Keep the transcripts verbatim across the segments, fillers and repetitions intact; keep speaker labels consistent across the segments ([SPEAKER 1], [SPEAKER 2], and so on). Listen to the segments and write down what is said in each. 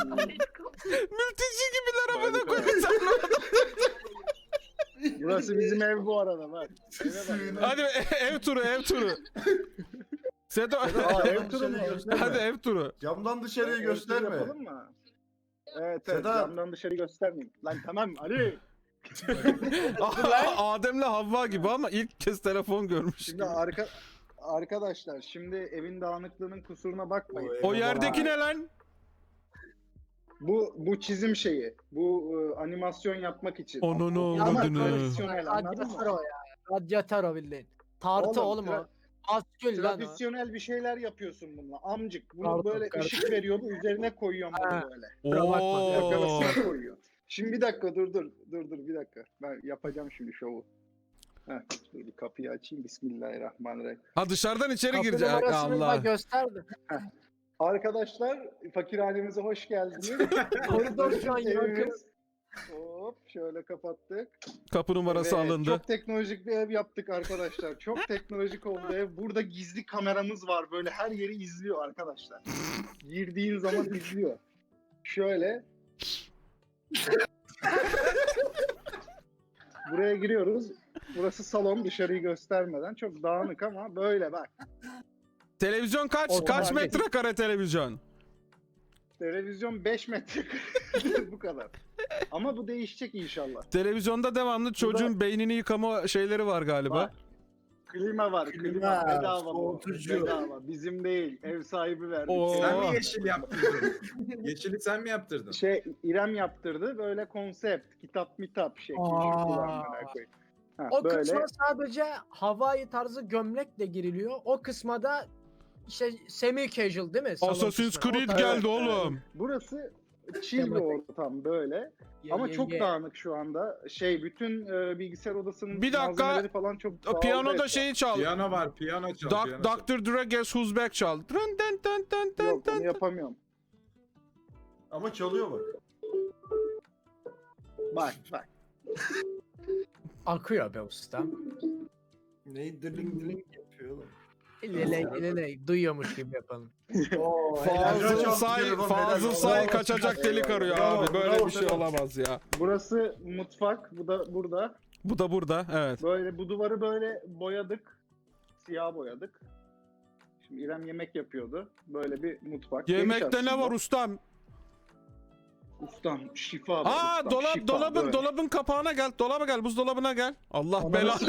[SPEAKER 1] Mülteci gibiler amına
[SPEAKER 2] Harika.
[SPEAKER 1] koyayım sen.
[SPEAKER 2] Burası bizim ev bu arada bak. Eve bak.
[SPEAKER 1] Hadi e- ev turu ev turu. Sedo.
[SPEAKER 2] Aa, ev turu mu?
[SPEAKER 1] Hadi ev turu.
[SPEAKER 3] Camdan dışarıyı
[SPEAKER 2] Ev turu
[SPEAKER 3] gösterme.
[SPEAKER 2] yapalım mı? Evet evet
[SPEAKER 3] Sedat.
[SPEAKER 2] camdan dışarı göstermeyeyim. Lan tamam Ali.
[SPEAKER 1] Adem'le Havva gibi ama ilk kez telefon görmüş
[SPEAKER 2] Şimdi
[SPEAKER 1] gibi.
[SPEAKER 2] arka arkadaşlar şimdi evin dağınıklığının kusuruna bakmayın.
[SPEAKER 3] O
[SPEAKER 1] O yerdeki ne lan?
[SPEAKER 2] Bu bu çizim şeyi. Bu e, animasyon yapmak için.
[SPEAKER 1] Onu ne
[SPEAKER 2] Ama
[SPEAKER 1] avradını.
[SPEAKER 2] tradisyonel anladın
[SPEAKER 4] Radyatör
[SPEAKER 2] mı?
[SPEAKER 4] o ya. Radyatör o bildiğin. Tartı
[SPEAKER 2] Oğlum,
[SPEAKER 4] oğlum,
[SPEAKER 2] tra-
[SPEAKER 4] o. Askül lan o.
[SPEAKER 2] Tradisyonel bir şeyler yapıyorsun bununla. Amcık bunu
[SPEAKER 4] Karton,
[SPEAKER 2] böyle
[SPEAKER 4] karton.
[SPEAKER 2] ışık veriyor bu üzerine koyuyorum
[SPEAKER 4] Ha.
[SPEAKER 2] bunu böyle.
[SPEAKER 4] Kusura bakma,
[SPEAKER 1] Oo.
[SPEAKER 2] Arkadaşlar koyuyor. Şimdi bir dakika dur dur dur dur bir dakika. Ben yapacağım şimdi şovu. Heh, dur bir kapıyı açayım. Bismillahirrahmanirrahim.
[SPEAKER 1] Ha dışarıdan içeri
[SPEAKER 4] Kapı
[SPEAKER 1] girecek.
[SPEAKER 4] numarasını da
[SPEAKER 1] Allah.
[SPEAKER 4] gösterdi.
[SPEAKER 2] Arkadaşlar fakirhanemize hoş geldiniz.
[SPEAKER 4] Koridor şu an
[SPEAKER 2] Evimiz.
[SPEAKER 4] yakın.
[SPEAKER 2] Hop şöyle kapattık.
[SPEAKER 1] Kapı numarası
[SPEAKER 2] Ve
[SPEAKER 1] alındı.
[SPEAKER 2] Çok teknolojik bir ev yaptık arkadaşlar. Çok teknolojik oldu ev. Burada gizli kameramız var. Böyle her yeri izliyor arkadaşlar. Girdiğin zaman izliyor. Şöyle. Buraya giriyoruz. Burası salon, dışarıyı göstermeden. Çok dağınık ama böyle bak.
[SPEAKER 1] Televizyon kaç?
[SPEAKER 4] O
[SPEAKER 1] Kaç
[SPEAKER 4] zaman-
[SPEAKER 1] metrekare televizyon?
[SPEAKER 2] Televizyon beş metre. Bu kadar. Ama bu değişecek inşallah.
[SPEAKER 1] Televizyonda devamlı çocuğun beynini yıkama şeyleri var galiba.
[SPEAKER 2] Var. Klima var. Klima,
[SPEAKER 3] Klima,
[SPEAKER 2] bedava bu.
[SPEAKER 3] soğutucu.
[SPEAKER 2] Bedava. Bizim değil. Ev sahibi verdi.
[SPEAKER 1] Oo.
[SPEAKER 5] Sen mi yeşil yaptırdın? Yeşili sen mi yaptırdın?
[SPEAKER 2] Şey İrem yaptırdı. Böyle konsept, kitap mitap şekli.
[SPEAKER 4] Aa.
[SPEAKER 2] kullanmaya koy. Ha,
[SPEAKER 4] O
[SPEAKER 2] böyle
[SPEAKER 4] kısma sadece Hawaii tarzı gömlekle giriliyor. O kısma da işte semi casual değil mi? Salon
[SPEAKER 1] Assassin's
[SPEAKER 4] kısmı. O
[SPEAKER 1] Creed
[SPEAKER 4] tarz-
[SPEAKER 1] geldi oğlum.
[SPEAKER 2] burası chill bir
[SPEAKER 4] Tematik.
[SPEAKER 2] ortam böyle.
[SPEAKER 4] Ye-
[SPEAKER 2] Ama
[SPEAKER 4] ye-
[SPEAKER 2] çok
[SPEAKER 4] ye.
[SPEAKER 2] dağınık şu anda. Şey bütün e, bilgisayar odasının
[SPEAKER 1] Bir dakika.
[SPEAKER 2] malzemeleri falan çok
[SPEAKER 1] O
[SPEAKER 2] dağıldı
[SPEAKER 1] piyanoda
[SPEAKER 2] etraf.
[SPEAKER 1] şeyi çal.
[SPEAKER 5] Piyano var, piyano çal.
[SPEAKER 1] Doc-
[SPEAKER 5] piyano çal.
[SPEAKER 1] doktor Dre Guess Who's Back çal. Dın dın dın dın dın
[SPEAKER 2] Yok
[SPEAKER 1] dın.
[SPEAKER 2] onu yapamıyorum.
[SPEAKER 3] Ama çalıyor bak.
[SPEAKER 2] Bak bak.
[SPEAKER 4] Akıyor be ustam.
[SPEAKER 3] Neyi diling diling yapıyor oğlum.
[SPEAKER 4] Leley leley duyuyormuş gibi yapalım.
[SPEAKER 3] Oo,
[SPEAKER 1] Fazıl Say, Fazıl Say kaçacak delik arıyor
[SPEAKER 3] Bravo,
[SPEAKER 1] abi. Böyle
[SPEAKER 3] bravo
[SPEAKER 1] bir şey
[SPEAKER 3] Sedat.
[SPEAKER 1] olamaz ya.
[SPEAKER 2] Burası mutfak. Bu da burada.
[SPEAKER 1] Bu da burada, evet.
[SPEAKER 2] Böyle bu duvarı böyle boyadık. Siyah boyadık. Şimdi İrem yemek yapıyordu. Böyle bir mutfak. Geniş
[SPEAKER 1] Yemekte ne
[SPEAKER 2] aslında.
[SPEAKER 1] var ustam?
[SPEAKER 2] Ustam şifa. be
[SPEAKER 1] Aa
[SPEAKER 2] ustam,
[SPEAKER 1] dolap
[SPEAKER 2] şifa,
[SPEAKER 1] dolabın
[SPEAKER 2] böyle.
[SPEAKER 1] dolabın kapağına gel. Dolaba gel. Buzdolabına gel. Allah belanı.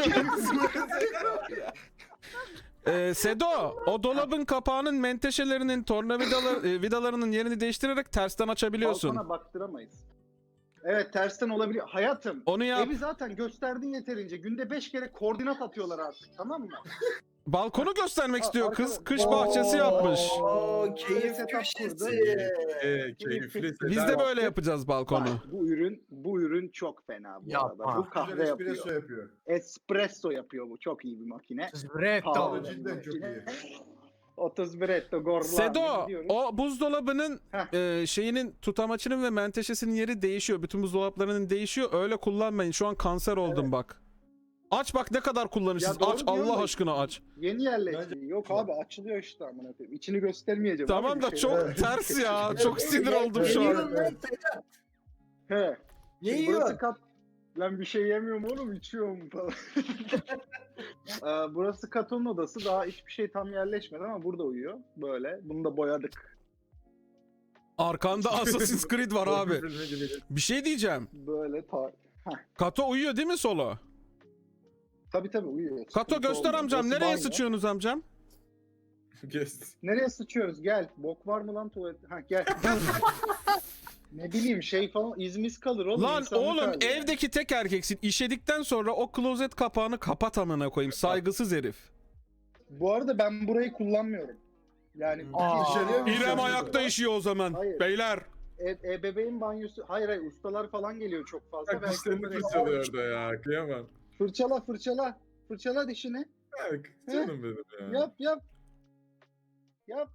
[SPEAKER 1] Ee, Sedo, o dolabın kapağının menteşelerinin tornavidalar e, vidalarının yerini değiştirerek tersten açabiliyorsun.
[SPEAKER 2] Balkona baktıramayız. Evet tersten olabiliyor. Hayatım.
[SPEAKER 1] Onu yap.
[SPEAKER 2] Evi zaten gösterdin yeterince. Günde beş kere koordinat atıyorlar artık tamam mı?
[SPEAKER 1] Balkonu göstermek
[SPEAKER 2] Aa,
[SPEAKER 1] istiyor kız.
[SPEAKER 2] arkadaş-
[SPEAKER 1] Kış bahçesi yapmış.
[SPEAKER 3] Oo,
[SPEAKER 2] Böyle
[SPEAKER 3] keyif
[SPEAKER 2] setup
[SPEAKER 3] köşesi.
[SPEAKER 2] kurdu.
[SPEAKER 5] Ee, keyifli.
[SPEAKER 1] Biz de
[SPEAKER 5] Sedat.
[SPEAKER 1] böyle yapacağız balkonu.
[SPEAKER 2] Bak, bu ürün bu ürün çok fena bu
[SPEAKER 4] Yapma.
[SPEAKER 2] arada. Bu kahve
[SPEAKER 3] Güzel
[SPEAKER 2] yapıyor.
[SPEAKER 3] espresso yapıyor.
[SPEAKER 2] Espresso yapıyor bu. Çok iyi bir makine.
[SPEAKER 4] Zbretto.
[SPEAKER 2] Pahalı
[SPEAKER 3] Cidden
[SPEAKER 2] bir
[SPEAKER 3] çok
[SPEAKER 2] makine.
[SPEAKER 3] iyi.
[SPEAKER 2] otuz bir etto gorlan.
[SPEAKER 1] Sedo,
[SPEAKER 2] gidiyoruz.
[SPEAKER 1] o buzdolabının
[SPEAKER 2] Heh.
[SPEAKER 1] e, şeyinin tutamaçının ve menteşesinin yeri değişiyor. Bütün buzdolaplarının değişiyor. Öyle kullanmayın. Şu an kanser oldum
[SPEAKER 2] Evet.
[SPEAKER 1] bak. Aç bak ne kadar kullanırsınız.
[SPEAKER 2] Ya doğru
[SPEAKER 1] Aç
[SPEAKER 2] diyorum
[SPEAKER 1] Allah
[SPEAKER 2] da-
[SPEAKER 1] aşkına aç.
[SPEAKER 2] Yeni yerleşti.
[SPEAKER 3] Bence-
[SPEAKER 2] Yok abi açılıyor işte amına koyayım. İçini göstermeyeceğim.
[SPEAKER 1] Tamam
[SPEAKER 2] abi,
[SPEAKER 1] da
[SPEAKER 2] bir şey
[SPEAKER 1] çok
[SPEAKER 2] var.
[SPEAKER 1] ters ya. Çok sinir oldum şu an.
[SPEAKER 3] Yiyorum lan Sedat.
[SPEAKER 2] He.
[SPEAKER 3] Ne
[SPEAKER 2] Şimdi burası
[SPEAKER 3] yiyorsun?
[SPEAKER 2] kat... Lan bir şey yemiyorum oğlum içiyorum falan. Ee, burası Kato'nun odası. Daha hiçbir şey tam yerleşmedi ama burada uyuyor. Böyle. Bunu da boyadık.
[SPEAKER 1] Arkanda Assassin's Creed var abi.
[SPEAKER 5] Filmi gibi.
[SPEAKER 1] Bir şey diyeceğim.
[SPEAKER 2] Böyle ta...
[SPEAKER 1] Kato uyuyor değil mi solo?
[SPEAKER 2] Tabii tabii uyuyor.
[SPEAKER 1] Kato
[SPEAKER 2] Sıkıntı
[SPEAKER 1] göster
[SPEAKER 2] olmuyor.
[SPEAKER 1] amcam.
[SPEAKER 2] Burası
[SPEAKER 1] Nereye
[SPEAKER 2] banyo.
[SPEAKER 1] sıçıyorsunuz amcam?
[SPEAKER 5] Kes.
[SPEAKER 2] Nereye sıçıyoruz? Gel. Bok var mı lan tuvalet? Ha gel. Ne bileyim şey falan izmiz kalır oğlum.
[SPEAKER 1] Lan
[SPEAKER 2] insanlık
[SPEAKER 1] oğlum
[SPEAKER 2] hali yani.
[SPEAKER 1] evdeki tek erkeksin. İşedikten sonra o klozet kapağını kapat amına koyayım. Saygısız herif.
[SPEAKER 2] Bu arada ben burayı kullanmıyorum. Yani
[SPEAKER 4] Aa.
[SPEAKER 2] iki-
[SPEAKER 3] İçeriye mi
[SPEAKER 1] İrem
[SPEAKER 3] sıçıyorsun?
[SPEAKER 1] ayakta işiyor o zaman.
[SPEAKER 2] Hayır.
[SPEAKER 1] Beyler.
[SPEAKER 2] E, ebeveyn banyosu. Hayır hayır ustalar falan geliyor çok fazla.
[SPEAKER 5] Bak
[SPEAKER 2] Ben
[SPEAKER 5] dişlerini
[SPEAKER 2] onları-
[SPEAKER 5] fırçalıyor orada ya. Kıyamam.
[SPEAKER 2] Fırçala fırçala. Fırçala dişini.
[SPEAKER 5] Bak canım benim ya.
[SPEAKER 2] Yap yap. Yap.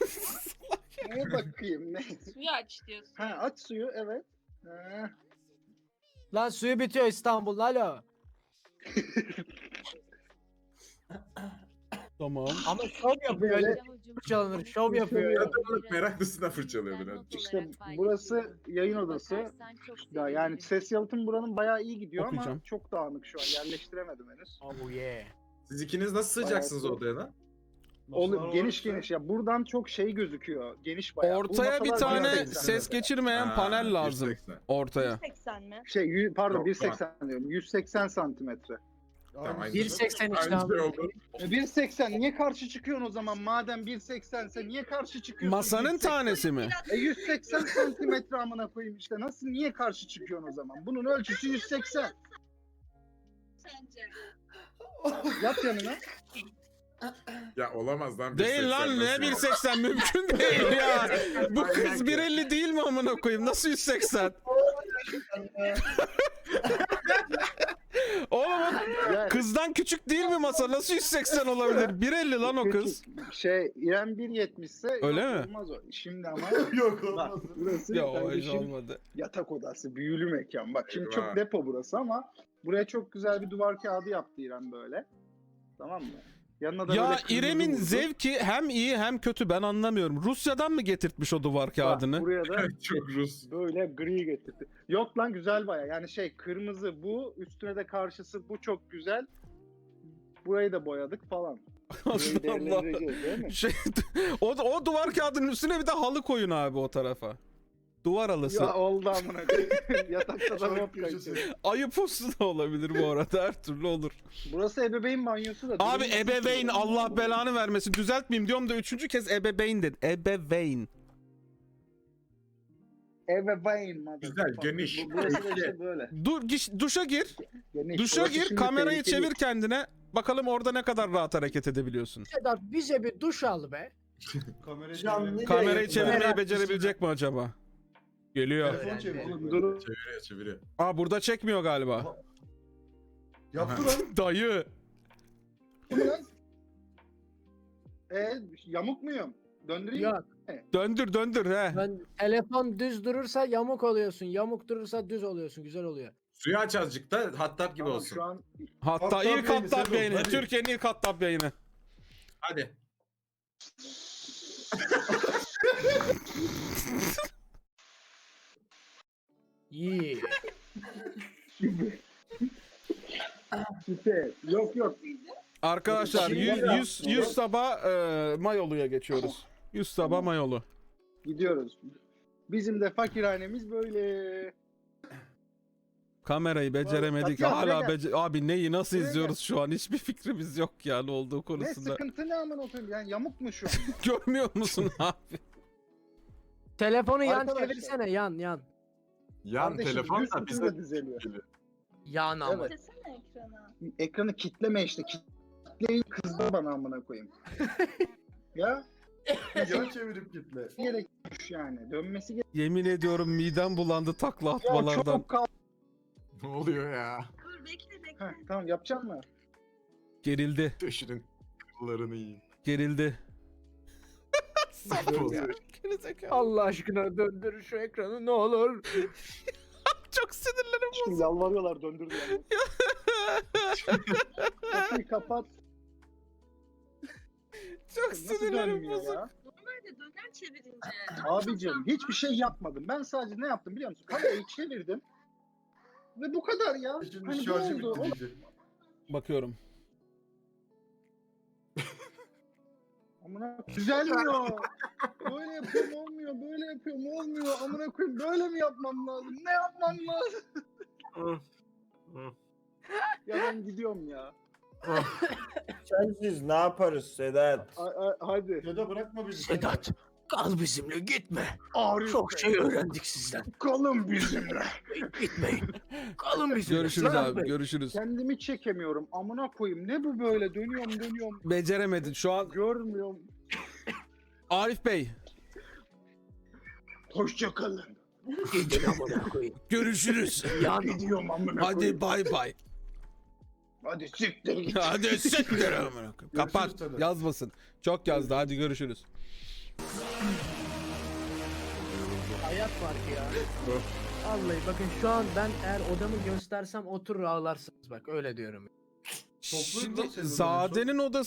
[SPEAKER 2] Neye bakayım ne?
[SPEAKER 6] Suyu aç diyorsun.
[SPEAKER 2] Ha aç suyu evet. Ha.
[SPEAKER 4] Lan suyu bitiyor İstanbul'da alo.
[SPEAKER 1] Tamam.
[SPEAKER 4] Ama şov yapıyor.
[SPEAKER 2] Böyle-
[SPEAKER 4] Öyle fırçalanır. Şov yapıyor ya.
[SPEAKER 5] Meraklısına fırçalıyordur. hadi.
[SPEAKER 2] İşte burası yayın odası. Ya yani ses yalıtım buranın bayağı iyi gidiyor
[SPEAKER 1] Okuyacağım.
[SPEAKER 2] ama çok dağınık şu an. Yerleştiremedim henüz.
[SPEAKER 4] Oh yeah.
[SPEAKER 5] Siz ikiniz nasıl sığacaksınız
[SPEAKER 2] Bayağı-
[SPEAKER 5] odaya lan?
[SPEAKER 2] Oğlum
[SPEAKER 3] Masalar
[SPEAKER 2] geniş
[SPEAKER 3] varsa-
[SPEAKER 2] geniş ya. Buradan çok şey gözüküyor. Geniş bayağı. Bu
[SPEAKER 1] Ortaya bir
[SPEAKER 2] masalar bayağı
[SPEAKER 1] tane
[SPEAKER 2] seksen.
[SPEAKER 1] ses geçirmeyen
[SPEAKER 5] Ha,
[SPEAKER 1] panel lazım.
[SPEAKER 5] yüz seksen.
[SPEAKER 1] Ortaya.
[SPEAKER 6] yüz seksen mi?
[SPEAKER 2] Şey yü- pardon
[SPEAKER 5] Yok,
[SPEAKER 2] bir seksen diyorum. yüz seksen santimetre.
[SPEAKER 3] Aynı
[SPEAKER 5] aynı
[SPEAKER 3] şey.
[SPEAKER 4] bir seksen işte
[SPEAKER 5] Aynı şey
[SPEAKER 4] abi.
[SPEAKER 5] oldu.
[SPEAKER 2] E, bir seksen niye karşı çıkıyorsun o zaman? Madem bir seksense niye karşı çıkıyorsun?
[SPEAKER 1] Masanın
[SPEAKER 2] yüz seksen?
[SPEAKER 1] tanesi mi?
[SPEAKER 2] E yüz seksen santimetre amına koyayım işte. Nasıl niye karşı çıkıyorsun o zaman? Bunun ölçüsü yüz seksen.
[SPEAKER 6] Sence?
[SPEAKER 2] Yat yanına.
[SPEAKER 5] Ya olamaz lan.
[SPEAKER 1] Değil lan ne
[SPEAKER 5] bir
[SPEAKER 1] bir seksen mümkün değil ya. Bu kız bir elli değil mi amına koyayım? Nasıl yüz seksen? Oğlum o
[SPEAKER 2] Yani
[SPEAKER 1] kızdan küçük değil mi masa? Nasıl yüz seksen olabilir? bir elli lan o kız.
[SPEAKER 2] şey İrem bir yetmiş ise
[SPEAKER 1] Öyle
[SPEAKER 2] yok,
[SPEAKER 1] mi?
[SPEAKER 2] olmaz o. Şimdi ama
[SPEAKER 3] Yok
[SPEAKER 2] bak
[SPEAKER 3] olmaz.
[SPEAKER 2] burası
[SPEAKER 1] Ya o iş
[SPEAKER 2] kardeşim
[SPEAKER 1] olmadı.
[SPEAKER 2] yatak odası, büyülü mekan. Bak şimdi
[SPEAKER 5] Eyvah.
[SPEAKER 2] çok depo burası ama buraya çok güzel bir duvar kağıdı yaptı İrem böyle. Tamam mı? Yanına da
[SPEAKER 1] Ya
[SPEAKER 2] böyle kırmızı
[SPEAKER 1] İrem'in
[SPEAKER 2] vurdu.
[SPEAKER 1] zevki hem iyi hem kötü ben anlamıyorum. Rusya'dan mı getirtmiş o duvar
[SPEAKER 2] Bak,
[SPEAKER 1] kağıdını?
[SPEAKER 2] buraya da
[SPEAKER 5] Çok Rus.
[SPEAKER 2] böyle gri getirdi. Yok lan güzel baya. Yani şey kırmızı bu, üstüne de karşısı bu çok güzel. Burayı da boyadık falan. Burayı
[SPEAKER 1] Allah Allah.
[SPEAKER 2] değerlendireceğiz değil mi?
[SPEAKER 1] Şey, o, o duvar kağıdının üstüne bir de halı koyun abi o tarafa. Duvar halısı.
[SPEAKER 2] Ya oldu amına koyayım. Yatakta da
[SPEAKER 3] Çok
[SPEAKER 2] hop
[SPEAKER 3] köşesi.
[SPEAKER 2] kaçıyor.
[SPEAKER 1] Ayı postu da olabilir bu arada her türlü olur.
[SPEAKER 2] Burası ebeveyn banyosu da.
[SPEAKER 1] Abi
[SPEAKER 2] Durum-
[SPEAKER 1] ebeveyn Allah belanı vermesin. Düzeltmeyeyim diyorum da üçüncü kez ebeveyn dedi. Ebeveyn.
[SPEAKER 2] Ebeveyn. motherfucker.
[SPEAKER 5] Güzel, geniş.
[SPEAKER 2] Bu- Burası da işte böyle.
[SPEAKER 1] Dur giş- duşa gir.
[SPEAKER 2] Geniş.
[SPEAKER 1] Duşa
[SPEAKER 2] Burası
[SPEAKER 1] gir
[SPEAKER 2] şimdi
[SPEAKER 1] kamerayı
[SPEAKER 2] tehlikeli.
[SPEAKER 1] çevir kendine. Bakalım orada ne kadar rahat hareket edebiliyorsun.
[SPEAKER 4] Sedat bize bir duş al be.
[SPEAKER 3] Kamerayı Canlı çevirelim.
[SPEAKER 1] Kamerayı
[SPEAKER 3] Evet,
[SPEAKER 1] çevirmeyi
[SPEAKER 4] merak
[SPEAKER 1] becerebilecek mi acaba? Geliyor.
[SPEAKER 3] Telefon çevir.
[SPEAKER 2] Oğlum durun.
[SPEAKER 5] Çeviriyor çeviriyor.
[SPEAKER 1] Aa burada çekmiyor galiba.
[SPEAKER 3] Yaptı lan.
[SPEAKER 1] Dayı.
[SPEAKER 2] Lan. E, yamuk muyum? Döndüreyim mi?
[SPEAKER 4] Ya
[SPEAKER 1] Döndür döndür he.
[SPEAKER 4] ben telefon düz durursa yamuk oluyorsun. Yamuk durursa düz oluyorsun. Güzel oluyor.
[SPEAKER 5] Suyu aç azıcık da hattab gibi
[SPEAKER 2] Tamam,
[SPEAKER 5] olsun.
[SPEAKER 2] şu an
[SPEAKER 1] Hatta
[SPEAKER 3] Hattab
[SPEAKER 1] ilk
[SPEAKER 3] yayını,
[SPEAKER 1] Hattab
[SPEAKER 3] Sedat,
[SPEAKER 1] yayını.
[SPEAKER 3] hadi.
[SPEAKER 1] Türkiye'nin ilk Hattab yayını.
[SPEAKER 5] Hadi.
[SPEAKER 4] İyi.
[SPEAKER 2] süper. Yok yok.
[SPEAKER 1] Arkadaşlar
[SPEAKER 2] Şimdi
[SPEAKER 1] yüz,
[SPEAKER 2] ya.
[SPEAKER 1] yüz, yüz sabah e, Mayolu'ya geçiyoruz. yüz sabah Mayolu.
[SPEAKER 2] Gidiyoruz. Bizim de fakirhanemiz böyle.
[SPEAKER 1] Kamerayı beceremedik.
[SPEAKER 2] Atilla,
[SPEAKER 1] Hala
[SPEAKER 2] buraya
[SPEAKER 1] bece Abi neyi nasıl
[SPEAKER 2] Buraya
[SPEAKER 1] izliyoruz şu an? Hiçbir fikrimiz yok ya ne olduğu
[SPEAKER 2] Ne
[SPEAKER 1] konusunda.
[SPEAKER 2] sıkıntı ne aman oturayım yani yamuk mu şu an?
[SPEAKER 1] Görmüyor musun abi?
[SPEAKER 4] Telefonu yan
[SPEAKER 2] Arkadaşlar.
[SPEAKER 4] çevirsene yan yan.
[SPEAKER 5] Yan
[SPEAKER 2] Kardeşim,
[SPEAKER 5] telefon
[SPEAKER 2] yüz
[SPEAKER 5] da
[SPEAKER 2] kutu
[SPEAKER 5] bize
[SPEAKER 2] da düzeliyor.
[SPEAKER 4] Yan ama.
[SPEAKER 2] Evet.
[SPEAKER 6] Sesene ekrana.
[SPEAKER 2] Ekranı kitleme işte. Kitleyin kızdı bana amına koyayım. ya
[SPEAKER 3] Yan çevirip gitme.
[SPEAKER 2] gerekmiş yani. Dönmesi gerek.
[SPEAKER 1] Yemin ediyorum midem bulandı takla
[SPEAKER 2] Ya
[SPEAKER 1] atmalardan.
[SPEAKER 2] çok kal.
[SPEAKER 5] Ne oluyor ya?
[SPEAKER 6] Dur bekle bekle.
[SPEAKER 2] Heh, tamam yapacağım mı?
[SPEAKER 1] Gerildi.
[SPEAKER 5] Döşünün kıllarını yiyin.
[SPEAKER 1] Gerildi.
[SPEAKER 5] Mahvoldu.
[SPEAKER 1] Gerizekalı.
[SPEAKER 4] Allah aşkına döndür şu ekranı ne olur.
[SPEAKER 1] Çok sinirlerim
[SPEAKER 2] Şimdi yalvarıyorlar döndür diye. Kapıyı kapat.
[SPEAKER 1] Çok
[SPEAKER 2] Nasıl
[SPEAKER 1] sinirlerim
[SPEAKER 2] dönmüyor
[SPEAKER 1] bozuk.
[SPEAKER 2] ya?
[SPEAKER 6] Normalde döner çevirince.
[SPEAKER 2] Abicim hiçbir şey yapmadım. Ben sadece ne yaptım biliyor musun? Kamerayı çevirdim. Ve bu kadar ya.
[SPEAKER 3] Şimdi
[SPEAKER 2] Hani ne
[SPEAKER 3] şarjı
[SPEAKER 2] oldu?
[SPEAKER 3] bitti diyecek.
[SPEAKER 1] Bakıyorum.
[SPEAKER 2] Amına düzelmiyor. Böyle yapıyorum olmuyor, böyle yapıyorum olmuyor. Amına koyayım böyle mi yapmam lazım? Ne yapmam lazım? ya ben gidiyorum ya.
[SPEAKER 7] Sensiz ne yaparız Sedat?
[SPEAKER 2] A- a- hadi.
[SPEAKER 3] Ya da bırakma bizi.
[SPEAKER 4] Sedat kal bizimle gitme.
[SPEAKER 2] Arif
[SPEAKER 4] Çok
[SPEAKER 2] Bey,
[SPEAKER 4] şey öğrendik sizden.
[SPEAKER 2] kalın bizimle.
[SPEAKER 4] Gitmeyin. Kalın bizimle.
[SPEAKER 1] Görüşürüz
[SPEAKER 4] Sedat
[SPEAKER 1] abi
[SPEAKER 4] Bey.
[SPEAKER 1] görüşürüz.
[SPEAKER 2] Kendimi çekemiyorum. Amına koyayım. Ne bu böyle? Dönüyorum dönüyorum.
[SPEAKER 1] Beceremedin şu an.
[SPEAKER 2] Görmüyorum.
[SPEAKER 1] Arif Bey.
[SPEAKER 2] Hoşça kalın.
[SPEAKER 4] Gidin amına koyayım.
[SPEAKER 1] Görüşürüz.
[SPEAKER 4] Yan.
[SPEAKER 2] Gidiyorum amına koyayım.
[SPEAKER 1] Hadi bay bay.
[SPEAKER 2] Hadi siktir git.
[SPEAKER 1] Hadi siktir amına koyayım. Kapat.
[SPEAKER 3] Sedat.
[SPEAKER 1] Yazmasın. Çok yazdı. Hadi görüşürüz.
[SPEAKER 4] Hayat var ki ya. Vallahi bakın şu an ben eğer odamı göstersem oturur ağlarsınız bak öyle diyorum.
[SPEAKER 3] Toplu
[SPEAKER 1] Şimdi
[SPEAKER 3] mu senin
[SPEAKER 1] Zade'nin odası